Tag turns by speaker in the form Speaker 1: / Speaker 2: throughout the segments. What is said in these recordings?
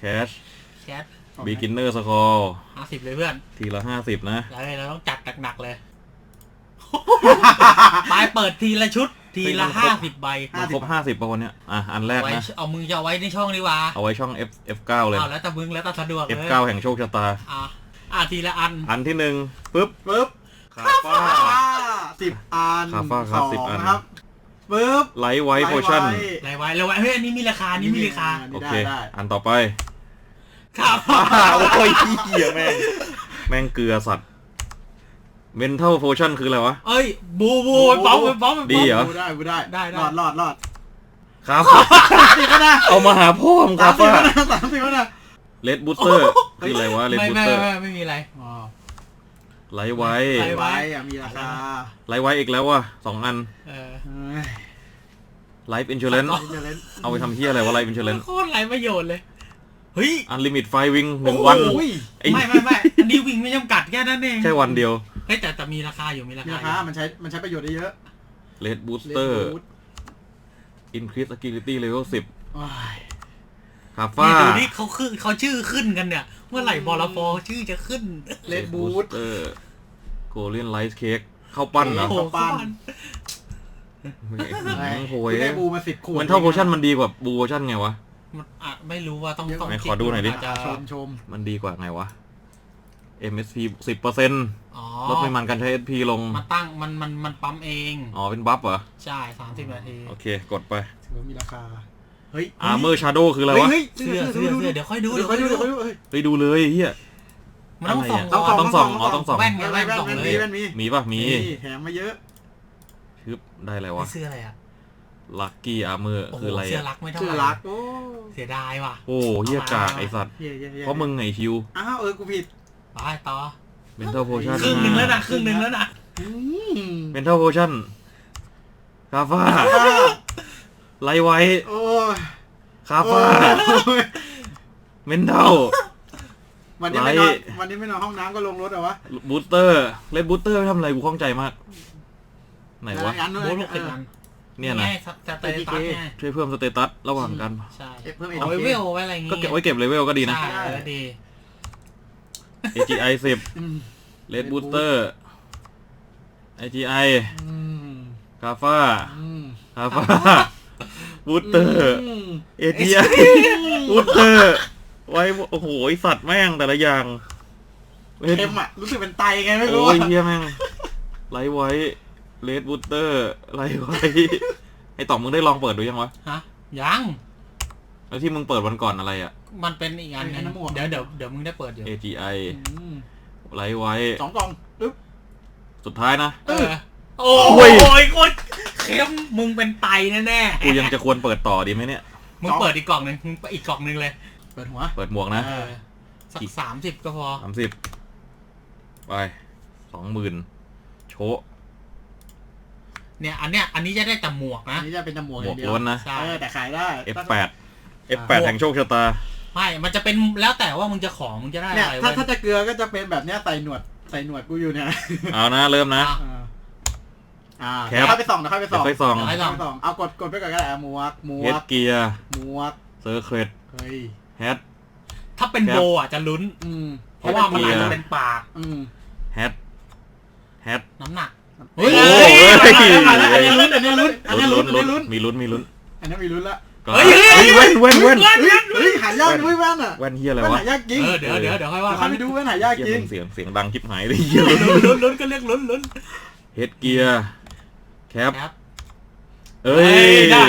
Speaker 1: cash
Speaker 2: แคท
Speaker 1: beginner score
Speaker 2: 50เลยเพื่อน
Speaker 1: ทีละ50นะ
Speaker 2: เราต้องจัดหนักๆเลยปลายเปิดทีละชุดทีละ50ใบ
Speaker 1: มันครบ50ป่ะวันเนี้ยอันแรกนะ
Speaker 2: เอามึงจะเอาไว้ในช่องดีกว่า
Speaker 1: เอาไว้ช่อง F9 เลย
Speaker 2: เอาแล้วแต่มึงแล้วแต่สะดวกเลย
Speaker 1: F9 แห่งโชคชะตา
Speaker 2: ทีละ
Speaker 1: อันที่1ปึ๊บคาฟ้า
Speaker 3: 10 อัน
Speaker 1: คาฟ้าครับ10 อัน
Speaker 3: ครับปึ๊บ
Speaker 1: ไลท์ไวท์โพชั่น
Speaker 2: ไลท์ไว้เฮ้ยอันนี้มีราคานี่มีราคา
Speaker 1: โอเคอันต่อไป
Speaker 2: ครับ
Speaker 1: โอ้ยเหี้ยแม่งเกลือสัตว์เมนทัลโพชั่นคืออะไรวะ
Speaker 2: เอ้ยบูป้อม
Speaker 1: ดีเหรอ
Speaker 3: ได้รอด
Speaker 1: ครับ
Speaker 3: 30ก็ได้
Speaker 1: เอามาหาพ่อมครับว่า
Speaker 3: 30ก็ได้
Speaker 1: เลดบูสเตอร์คืออะไรวะเลดบูสเตอร์
Speaker 2: ไม่มีอะไร
Speaker 1: ไลท์ไวท์
Speaker 3: มีราคา
Speaker 1: ไลท์ไวท์อีกแล้วว่ะ2 อันไลฟ์อินชูเลนเอาไปทำเหี้ยอะไรวะไลฟ์อินชูเลน
Speaker 2: โคตรไรประโยชน์เลยเฮ้ย
Speaker 1: อันลิมิตไฟวิ่ง1 วัน
Speaker 2: ไม่อันนี้วิ่งไม่จำกัดแค่นั้นเอง
Speaker 1: แค่วันเดียว
Speaker 2: เฮ้ยแต่มีราคาอยู่มีราคา
Speaker 3: มันใช้ประโยชน์ได้เยอะ
Speaker 1: เลดบูสเตอร์อินครีสอะกิลิตี้เลเวล10คาฟ้า
Speaker 2: ดูนี่เขาชื่อขึ้นกันเนี่ยเมื่อไหร่บอลฟอชื่อจะขึ้น
Speaker 3: เลดบูส
Speaker 1: เตอร์โกลเด้นไลท์เค้กข้าวปั้นเหรอ
Speaker 3: ข้าวปั้น
Speaker 1: โอ้ย
Speaker 3: ได้บูมา10 ขวด
Speaker 1: มันเท่าโพชั่นมันดีกว่าบูโพชั่นไงวะ
Speaker 2: ไม่รู้ว่าต้อง
Speaker 1: ขอดูหน่อยดิ
Speaker 3: ชม
Speaker 1: มันดีกว่าไงวะ MSP 10%ลดปริมาณการใช้ SP ลง
Speaker 2: มันตั้งมันปั๊มเอง
Speaker 1: เป็นบัฟเหรอ
Speaker 2: ใช่30 นาที
Speaker 1: โอเคกดไป
Speaker 3: ถือว่ามีราคาเฮ้ย
Speaker 1: Armor Shadow คืออะไรวะ
Speaker 2: เสื้อเดี๋ยวค่อยดู
Speaker 1: ดูเลยเฮีย
Speaker 2: มันต้องส่อง
Speaker 1: ต้องส่อง
Speaker 2: แว่นส่องเลย
Speaker 1: มีป่ะมี
Speaker 3: แถมมาเยอะ
Speaker 1: ชึบได้อะไรวะ
Speaker 2: เสื้ออะไร
Speaker 1: Lucky Armor คืออะไร
Speaker 2: เสื้อรักไม่เท่าไหร่เสียดายว่ะ
Speaker 1: โอ้เฮียกากไอสัตว์เพราะมึงไงคิว
Speaker 3: กูผิด
Speaker 2: ไปต่อ
Speaker 1: Mental Potion
Speaker 2: ครึ่งนึงแล้วนะ
Speaker 1: Mental Potion คาฟ้าไลท์ไวท์คาฟ้าเมนเทล
Speaker 3: วันนี้ไม่นอนห้องน้ำก็ลงรถเหรอวะ
Speaker 1: บูสเตอร์เลดบูสเตอร์ทำอะไรกูข้องใจมากไหนวะ
Speaker 2: บูส60 อัน
Speaker 1: เนี่ยนะช่วยเพิ่มสเตตัสระหว่างกัน
Speaker 2: ใช่เพิ่มเลเวลไว้อะไรอย่างงี้
Speaker 1: ก็เก็บไว้เก็บเลเวลก็ดีนะ
Speaker 2: ใช่ดี
Speaker 1: AGI 10 Red Booster AGI คาฟ้าบูสเตอร์ AGI บูสเตอร์ไว้โอ้โหสัตว์แม่งแต่ละอย่าง
Speaker 3: เค็มรู้สึกเป็นไตไงไม่รู้
Speaker 1: โอ้ยเฮียแม่งไลท์ไว้เลดบูสเตอร์ไลท์ไว้ไอต่อมึงได้ลองเปิดดูยังวะ
Speaker 2: ยัง
Speaker 1: แล้วที่มึงเปิดวันก่อนอะไร
Speaker 2: มันเป็นอีกอันนึงเดี๋ยวมึงได้เปิดอยู่
Speaker 1: AGI ไลท์ไว้
Speaker 3: 2 กล่องปึ๊บ
Speaker 1: สุดท้ายนะ
Speaker 2: โอ้ยโคตรเค็มมึงเป็นไตแน่
Speaker 1: กูยังจะควรเปิดต่อดีไหมเนี่ย
Speaker 2: มึงเปิดอีกกล่องนึงอีกกล่องนึงเลย
Speaker 3: เปิดหัว
Speaker 1: เปิดหมวกนะ
Speaker 2: สัก30ก็พอ
Speaker 1: 30ไป 20,000 โชว์
Speaker 2: เนี่ยอันนี้จะได้แต่หมวกนะ
Speaker 3: อันนี้จะเป็นแต่หมวก
Speaker 1: อย่างเดียวล้วนนะ
Speaker 3: แต่ขายได้
Speaker 1: F8 แห่งโชคชะตา
Speaker 2: ไม่มันจะเป็นแล้วแต่ว่ามึงจะมึงจะได้อะไร
Speaker 3: ถ้าจะเกลือก็จะเป็นแบบเนี้ยใส่หนวดกูอยู่เนี่ย
Speaker 1: เอานะเริ่มนะ
Speaker 3: แคปไปส่องเอากดไปก่อนก็ได้หมวก
Speaker 1: เฮดเกียร์
Speaker 3: หมวก
Speaker 1: เซอร์เครดแฮด
Speaker 2: ถ้าเป็นโบจะลุ้นเพราะว่ามันอาจจะเป็นปาก
Speaker 1: แฮด
Speaker 2: น้ำหนัก
Speaker 3: เฮ้ยอันนี้ลุ้นมีลุ้น
Speaker 1: อันนี้มี
Speaker 3: ลุ้นละ
Speaker 1: เฮ้ยแว่น
Speaker 3: หายากด้วยแว่น
Speaker 1: แว่นเฮียอะไรวะ
Speaker 3: หายากจริง
Speaker 2: เดี๋ยวค่อยว่า
Speaker 3: ไปดูแว่นหายากจริง
Speaker 1: เสียงดังชิบหายเลยเฮีย
Speaker 2: ลุ้นก็เรียกลุ้น
Speaker 1: เฮดเกียร์แคป
Speaker 2: ได้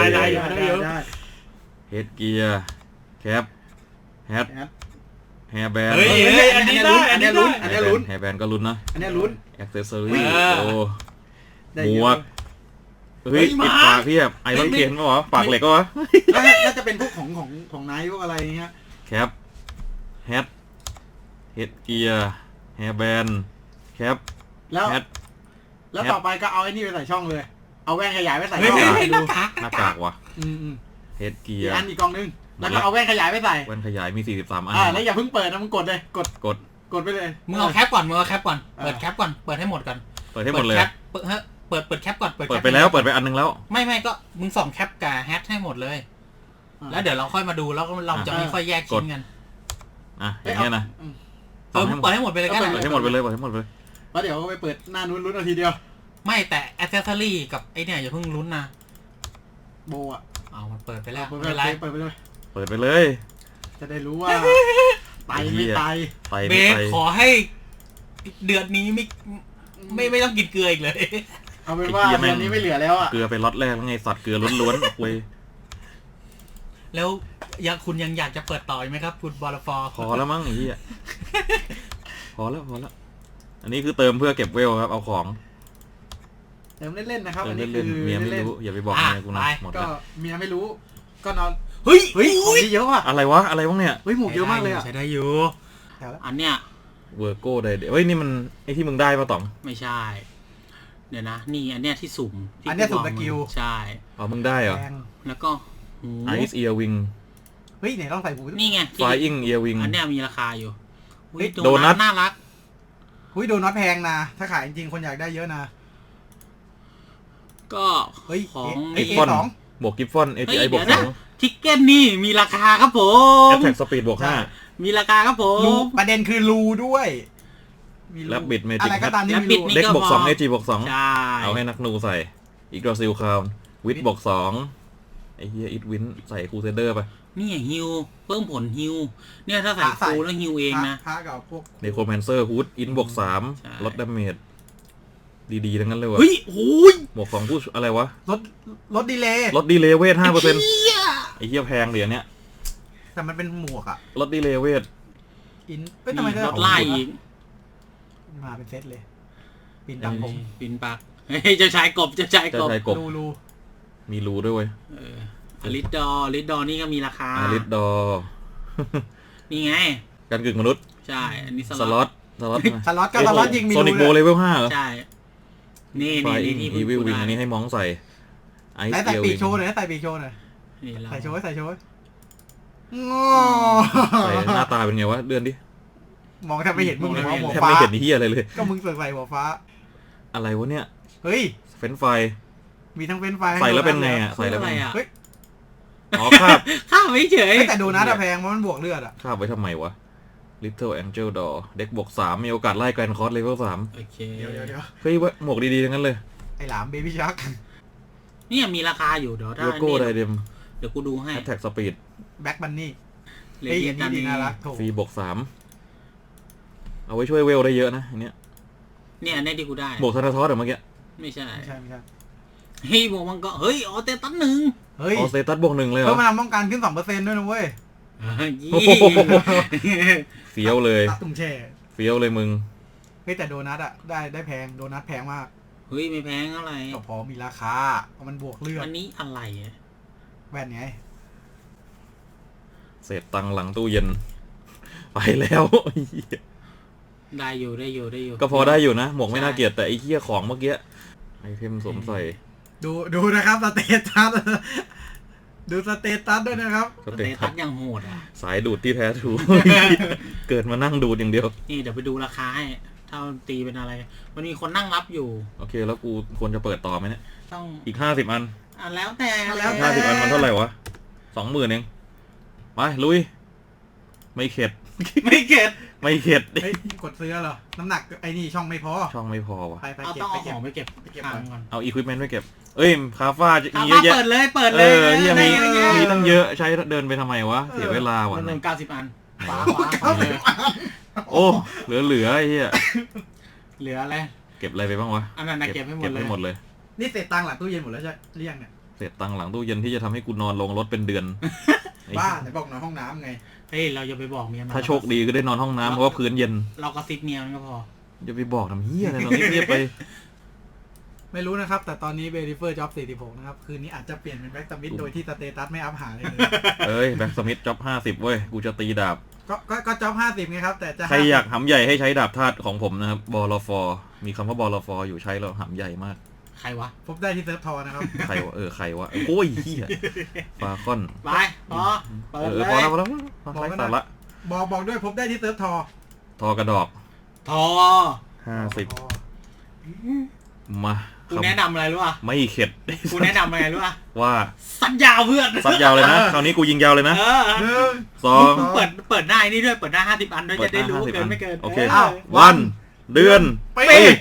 Speaker 1: เฮดเกียร์แคปแฮดแฮร์แบนด์
Speaker 2: อันนี้ลุ้น
Speaker 1: แฮร์แบนด์ก็ลุ้นนะ
Speaker 3: อันนี้ลุ้น
Speaker 1: แอ็กเซสซอรี่โอ้หมวกเฮ้ยปิดปากพี่แบบไอรอนเกนก็วะปากเหล็กก็วะ
Speaker 3: น่าจะเป็นพวกของนายพวกอะไรเงี้ย
Speaker 1: แคปแฮดเกียร์แฮร์แบนด์แคป
Speaker 3: แล้วต่อไปก็เอาไอ้นี่ไปใส่ช่องเลยเอาแว่นขยายไปใส่
Speaker 1: หน้ากากว่ะเฮดเกียร์
Speaker 3: อีกกล่องนึงแล้วก็เอาแว่นขยายไปใส่
Speaker 1: แว่นขยายมี43 อัน
Speaker 3: แล้วอย่าเพิ่งเปิดนะมึงกดเลยกดไปเลย
Speaker 2: มึงเอาแคปก่อนเปิดแคปก่อนเปิดให้หมดกัน
Speaker 1: เปิดให้หมดเลย
Speaker 2: เปิดแคปก่อน
Speaker 1: เปิดไปแล้วเปิดไปอันนึงแล้ว
Speaker 2: ไม่ก็มึงส่องแคปกับแฮชให้หมดเลยแล้วเดี๋ยวเราค่อยมาดูแล้วเราจะไม่ค่อยแยกชิ้นกัน
Speaker 1: อย่างเงี้ยนะ
Speaker 2: เปิดให้หมดไปเลยก็ได้
Speaker 1: เปิดให้หมดไปเลย
Speaker 3: แล้วเดี๋ยวไปเปิดหน้านู้นลุ้นเอาทีเดียว
Speaker 2: ไม่แต่แอคเซสซอรี่กับไอเนี่ยอย่าเพิ่งลุ้นนะ
Speaker 3: โบอ่ะ
Speaker 2: มันเปิดไปแล้ว
Speaker 3: เปิดไปเลย จะได้รู้ว่าไตไม่ไต
Speaker 2: เบสขอให้เดือนนี้ไม่ต้องกินเกลืออีกเลย
Speaker 3: เอาเป็นว่าเดือนนี้ไม่เหลือแล้วอ่ะ
Speaker 1: เกลือไปล็อตแรกแล้วไงสัตว์เกลือล้วนๆเว้ย
Speaker 2: แล้วคุณยังอยากจะเปิดต่อไหมครับคุณบอลฟอร์
Speaker 1: พอแล้วมั้งไอ้เหี้ยพอแล้วอันนี้คือเติมเพื่อเก็บเวลครับเอาของ
Speaker 3: เติมเล่นๆนะครับอันนี้
Speaker 1: คือเมียไม่รู้อย่าไปบอกเมียกูนะหมด
Speaker 3: ก็เมียไม่รู้ก็นอน
Speaker 2: เฮ้ย
Speaker 3: ของที่เยอะว่ะ
Speaker 1: อะไรวะเนี่ย
Speaker 3: เฮ้ยหมวกเยอะมากเลยอ่ะ
Speaker 2: ใช้ได้อยู่อันเนี้ย
Speaker 1: เวอร์โก้ได้เฮ้ยนี่มันไอที่มึงได้ป่ะต่อง
Speaker 2: ไม่ใช่เดี๋ยวนะนี่อันเนี้ยที่สุ่ม
Speaker 3: อันเนี้ยสุ่มสกิล
Speaker 2: ใช่
Speaker 1: มึงได้เหรอ
Speaker 2: แล้วก็
Speaker 1: ไอซ์เอียร์วิง
Speaker 3: เฮ้ยไหนต้องใส่หู
Speaker 2: นี่ไง
Speaker 1: ไฟอิงเอียร์วิง
Speaker 2: อันเนี้ยมีราคาอยู่
Speaker 1: โดนัท
Speaker 2: น่ารัก
Speaker 3: โดนัทแพงนะถ้าขายจริงคนอยากได้เยอะนะ
Speaker 2: ก็ของ
Speaker 1: กิฟฟอนบวกกิฟฟอนAGI บวก2
Speaker 2: ทิกเก็ตนี่มีราคาครับผม
Speaker 1: Attack Speed บวก5
Speaker 2: มีราคาครับผม
Speaker 3: ประเด็นคือรูด้วย
Speaker 1: แล้วบิดเมจิก
Speaker 3: อะไรก็ตามที่มีรู
Speaker 1: เด็กบวก2 AG บวก2เอาให้นักนูใส่อีกดอซิลคาววิทบวก2ไอ้เหี้ยอิทวินใส่คูเซเดอร์ไป
Speaker 2: นี่ฮิวเพิ่มผลฮิวเนี่ยถ้าใส่ฟูแล้วฮิวเองนะ
Speaker 3: เ
Speaker 1: นโครแมนเซอร์ฮูดอินบวก3ลดดาเมจดีๆทั้งนั้นเลยวะ
Speaker 2: เฮ้ยโอ้ย
Speaker 1: บวก2ผู้อะไรวะ
Speaker 3: ลดดีเล
Speaker 1: ย์เวท 5% ไอ้เหี้ยแพงเหรียญเนี้ย
Speaker 3: แต่มันเป็นหมวกอะ
Speaker 1: ลดดีเลย์เวท
Speaker 3: ทำไม
Speaker 2: ลดไล่อีก
Speaker 3: มาเป็นเซตเลยปินตังผม
Speaker 2: ปินปากจะใช้กบ
Speaker 3: รู
Speaker 1: มีรูด้วยเว้ย
Speaker 2: ลิดดอนี่ก็มีราคา
Speaker 1: ลิดดอ
Speaker 2: นี่ไง
Speaker 1: การกึ่งมนุษย์
Speaker 2: ใช่อันนี้
Speaker 3: สล็อตยิงมี
Speaker 1: โซนิกโบเลเวล5เหรอ
Speaker 2: ใช่นี่
Speaker 1: อีวิลวิงอันนี้ให้มองใส่
Speaker 3: ใส่ปีกโชว์หน่อยใส่ปีกโชว์หน่อยใส่โชว์ใส่
Speaker 1: หน้าตาเป็นไงวะเดือนดิ
Speaker 3: มองแทบไม่เห็นมึงเลยหัว
Speaker 1: ฟ้าแทบไม่เห็นที่อะไรเลย
Speaker 3: ก็มึงใส่หัวฟ้า
Speaker 1: อะไรวะเนี่ย
Speaker 3: เฮ้ย
Speaker 1: เฟนไฟ
Speaker 3: มีทั้งเฟนไฟ
Speaker 1: ใส่แล้วเป็นไงอ่ะใส่แล้วเป็น
Speaker 3: เฮ้ย
Speaker 2: ข้าวไม่เฉย
Speaker 3: แต่โดนัทแพงเพราะมันบวกเลือดอ่ะ
Speaker 1: ข้าวไว้ทำไมวะLittle Angel Door เด็กบวก3มีโอกาสไล่แกรนด์คอร์สเลเวล3
Speaker 2: โอเค
Speaker 3: เดี๋ยว
Speaker 1: เฮ้ยหมวกดีๆทั้งนั้นเลย
Speaker 3: ไอ้หลามเบบี้ชัก
Speaker 2: นี่มีราคาอยู่เดี๋ยวถ้า
Speaker 1: โลโก้ไดเดม
Speaker 2: เดี๋ยวกูดูให้
Speaker 1: Attack Speed
Speaker 3: แบ็คบันนี่
Speaker 2: เฮ้ยอันนี้
Speaker 3: น่ารัก
Speaker 1: ฟรีบวก3เอาไว้ช่วยเวลได้เยอะนะอันเนี้ย
Speaker 2: เนี่ยในที่กูได้
Speaker 1: บวกธนาทอสเมื่อกี้
Speaker 2: ไม่ใช่เฮ้ยบวกมันก็เฮ้ยออเตตัส1
Speaker 1: ออเตตัสบวก1เลยเหรอ
Speaker 3: เพิ่มพลังป้องกันขึ้น 2% ด้วยนะเว้ย
Speaker 1: เฟี้ยวเลย
Speaker 3: ตุ้งแช่
Speaker 1: เฟี้ยวเลยมึง
Speaker 3: เฮ้ยแต่โดนัทอ่ะได้แพงโดนัทแพงมาก
Speaker 2: เฮ้ยไม่แพงเท่าไหร่
Speaker 3: ก็พอมีราคาเพราะมันบวกเลือด
Speaker 2: อันนี้อะไร
Speaker 3: แว่นไง
Speaker 1: เศษตังหลังตู้เย็นไปแล้ว
Speaker 2: ได้อยู่
Speaker 1: ก็พอได้อยู่นะหมวกไม่น่าเกลียดแต่ไอ้เหี้ยของเมื่อกี้ไอเทมสวมใส่
Speaker 3: ดูนะครับสเตตัสดูสเตตัสด้วยนะครับ
Speaker 2: สเตตัสยังโหด
Speaker 1: สายดูดที่แท้ถูเกิดมานั่งดูดอย่างเดียว
Speaker 2: นี่เดี๋ยวไปดูราคาให้ถ้าตีเป็นอะไรมันมีคนนั่งรับอยู่
Speaker 1: โอเคแล้วกูควรจะเปิดต่อไหมเนี่ย
Speaker 2: ต้อง
Speaker 1: อีก50 อัน
Speaker 2: แล้วแต่
Speaker 1: 50 อันมันเท่าไหร่วะ 20,000 เองไปลุยไม่เข็ด
Speaker 3: กดซื้อเหรอน้ำหนักไอ้นี่ช่องไม่พอ
Speaker 2: วะเอาต้องเอาของไปเก็บก่อน
Speaker 1: เอาอุปกรณ์ไปเก็บคาฟ้ามีเยอะแยะ
Speaker 2: เปิดเลย
Speaker 1: ที่มีตั้งเยอะใช้เดินไปทำไมวะเสียเวลาว่ะ
Speaker 2: 90 อัน
Speaker 1: โอ้เหลือไอ้เหี้ย
Speaker 2: เหลืออะไร
Speaker 1: เก็บอะไรไปบ้างวะ
Speaker 2: อันนั้นเก็บให้หมดเลย
Speaker 3: นี่เศษตังหลังตู้เย็นหมดแล้วใช่เรียงเนี่ย
Speaker 1: เศษตังหลังตู้เย็นที่จะทำให้กูนอนลงรถเป็นเดือน
Speaker 3: บ้าไหนบอกนอนห้องน้ำไง
Speaker 2: เฮ้ยเราอย่าไปบอกเมีย
Speaker 1: ถ้าโชคดีก็ได้นอนห้องน้ำเพราะว่าพื้นเย็น
Speaker 2: เรากระซิบเมียมันก็พอ
Speaker 1: อย่าไปบอกทำเหี้ยอะไรเราเงียบไป
Speaker 3: ไม่รู้นะครับแต่ตอนนี้เบริเฟอร์จ็อบ46นะครับคืนนี้อาจจะเปลี่ยนเป็นแบ็กสมิธโดยที่สเตตัสไม่อัพหาเลย
Speaker 1: แบ็กสมิธจ็อบ50เว้ยกูจะตีดาบ
Speaker 3: ก็จ็อบ50ไงครับแต่จะ
Speaker 1: ใครอยากหำใหญ่ให้ใช้ดาบธาตุของผมนะครับบอลฟอร์มีคำว่าบอลฟอร์อยู่ใช้แล้วหำใหญ่มาก
Speaker 2: ใครวะ
Speaker 3: พบได้ที่เซิร์ฟทอนะครับ
Speaker 1: ใครวะใครวะโอ้ยเหี้ยฟาคอน
Speaker 2: ไปพอ
Speaker 1: พอแล้วสาระ
Speaker 3: บอกด้วยพบได้ที่เซิร์ฟ
Speaker 1: ทอกระดอก
Speaker 2: ทอ
Speaker 1: 50มา
Speaker 2: กูแนะนำอะไรรู้ป่ะ
Speaker 1: ไม่เข็ด
Speaker 2: กูแนะนำอะไรรู้ป่ะ
Speaker 1: ว่า
Speaker 2: สัญญาเพื่อน
Speaker 1: ซัดยาวเลยนะคราวนี้กูยิงยาวเลยนะ
Speaker 2: เออ
Speaker 3: หนึ่ง
Speaker 1: สอง
Speaker 2: เปิดหน้าไอ้นี่ด้วยเปิดหน้า50 อันด้วยจะได้รู้ว่า
Speaker 1: 50
Speaker 2: เกินไม่เกิน
Speaker 1: โอเค
Speaker 3: อ้าว
Speaker 1: วันเดือน
Speaker 3: ปี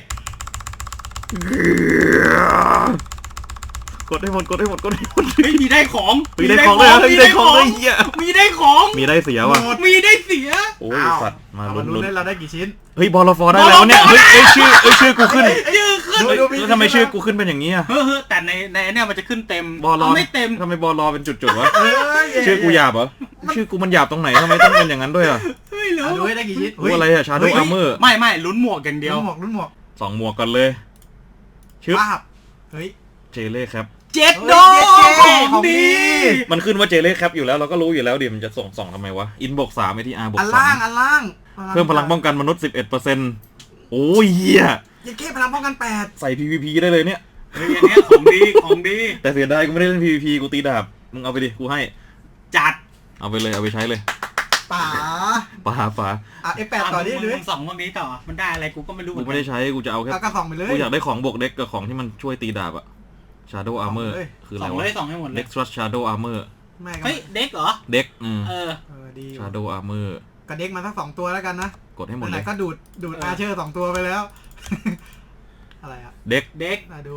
Speaker 1: กดให้หมดกดให้หมดกดให้หมด
Speaker 2: เฮ้ยมีได้ของ
Speaker 1: มีได้ของเลยมีได้ของเลยเหี้ย
Speaker 2: มีได้ของ
Speaker 1: มีได้เสียว่ะ
Speaker 2: มีได้เสีย
Speaker 1: โอ้ยสัตว์มา
Speaker 3: เอา
Speaker 1: ลุ้
Speaker 3: มาน ลุ้น
Speaker 1: ลุ้น
Speaker 3: ได้เราได้กี่ชิ้น
Speaker 1: เฮ้ยบอลฟอได้แล้วเนี่ยเฮ้ยชื่อกูขึ้น
Speaker 2: ชื่อขึ้น
Speaker 1: เฮ้ยแล้วทำไมชื่อกูขึ้นเป็นอย่างนี้อ่ะ
Speaker 2: เฮ้ยแต่ในเนี่ยมันจะขึ้นเต็ม
Speaker 1: บอล
Speaker 2: ไม่เต็ม
Speaker 1: ทำไมบอลเป็นจุดๆวะ
Speaker 3: เอ้ย
Speaker 1: ชื่อกูหยาบเหรอชื่อกูมันหยาบตรงไหนทำไมต้องเป็นอย่างนั้นด้วยอ่ะ
Speaker 2: ไม่รู้
Speaker 3: ดูให้ได้กี่ชิ้น
Speaker 1: กูอะไรอ่ะชาโดว์อาร์เมอร์
Speaker 2: ไม่ลุ้นหมวกอย่างเดียว
Speaker 3: รุ่นหมวก
Speaker 1: 2 หมวกกันเลยชึบ
Speaker 3: ป้าบเฮ้ย
Speaker 1: เจเล่ครับ
Speaker 2: เจ็ดโด
Speaker 3: ของดี
Speaker 1: มันขึ้นว่าเจเล่ครับอยู่แล้วเราก็รู้อยู่แล้วดิมันจะส่งทำไมวะอินบวก3ไอทีอาร์บว
Speaker 3: อั
Speaker 1: ก
Speaker 3: นล่างอันล่าง
Speaker 1: 3เพิ่มพลังป้องกันมนุษย์ 11%โอ้ยเหี้ย
Speaker 3: ยัดเก้พลังป้องกัน8
Speaker 1: ใส่ PVP ได้เลยเนี่ย
Speaker 2: เฮ้ยอันเนี้ยของดี
Speaker 1: แต่เสียดายกูไม่ได้เล่น PVP กูตีดาบมึงเอาไปดิกูให้
Speaker 2: จัด
Speaker 1: เอาไปเลยเอาไปใช้เลย
Speaker 3: ป๋า
Speaker 1: ป่า
Speaker 3: อ่ะ F8 ต่อดิดูดิ
Speaker 2: มึงสองพวกนี้ต่อมันได้อะไรกูก็ไม่รู้เห
Speaker 1: กู
Speaker 2: มือน
Speaker 1: ไม่
Speaker 2: กั
Speaker 1: ได้
Speaker 2: น
Speaker 1: ใช้กูจะเอาแค่
Speaker 3: เอากระสองไปเลย
Speaker 1: กูอยากได้ของบวกเด็กกับของที่มันช่วยตีดาบอะ Shadow Armor
Speaker 3: เลย
Speaker 1: คืออะ
Speaker 2: ส
Speaker 1: ไร
Speaker 2: อง
Speaker 1: วะ
Speaker 2: เลยสองให้หมดเลย
Speaker 1: Dextrous Shadow Armor
Speaker 3: แม่ก็
Speaker 2: เฮ้ยเด็กเหรอ
Speaker 1: เด็ก
Speaker 2: เออ
Speaker 3: ดีอยู่
Speaker 1: Shadow Armor
Speaker 3: กระเด็กมาสัก2 ตัวแล้วกันนะ
Speaker 1: กดให้หมด
Speaker 3: ไห
Speaker 1: เล
Speaker 3: น
Speaker 1: ย
Speaker 3: ๆก็ดูดอาเชอร์2 ตัวไปแล้ว อะไรอ่ะ
Speaker 1: เด็ก
Speaker 2: เด็ก
Speaker 3: ดู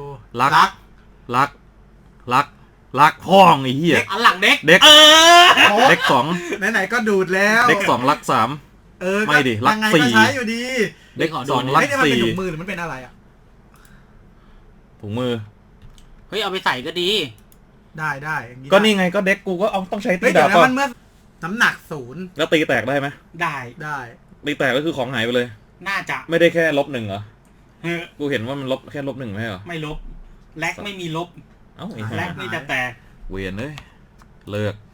Speaker 1: รักพ่องไอ้เหี้ย
Speaker 2: อันหลังเด็ก
Speaker 1: เด็ก
Speaker 2: เออ
Speaker 1: เด็กสอง
Speaker 3: ไหนๆก็ดูดแล้ว
Speaker 1: เด็กสองรักสาม
Speaker 3: เออ
Speaker 1: ไม่ดิรัก
Speaker 3: ยังไง
Speaker 1: สี่
Speaker 3: ก็ใช้อยู่ดี
Speaker 1: เด็กสองรัก
Speaker 3: เฮ้ยนี่มันเป็น
Speaker 1: สี่
Speaker 3: ถุงมือหรือมันเป็นอะไรอ่ะ
Speaker 1: ถุงมือ
Speaker 2: เฮ้ยเอาไปใส่ก็ดี
Speaker 3: ได้อย่าง
Speaker 1: ก็นี่ไงก็เด็กกูก็เอาต้องใช้ตี
Speaker 3: เฮ้ย
Speaker 1: ดา
Speaker 3: เดี๋ยวนะ
Speaker 1: บก่อ
Speaker 3: มัน นเมื่อน้ำหนัก0
Speaker 1: แล้วตีแตกได้ไหม
Speaker 2: ได้
Speaker 3: ได้
Speaker 1: ตีแตกก็คือของหายไปเลย
Speaker 2: น่าจะ
Speaker 1: ไม่ได้แค่-1เหรอ
Speaker 2: เฮ้ย
Speaker 1: กูเห็นว่ามันลบแค่-1ไม่ใช่เหรอ
Speaker 2: ไม่ลบแลกไม่มีลบ
Speaker 1: เอ้าไอ้
Speaker 2: แล
Speaker 1: ห่าก
Speaker 2: นี่จะแตก
Speaker 1: เวียนเลยเลิก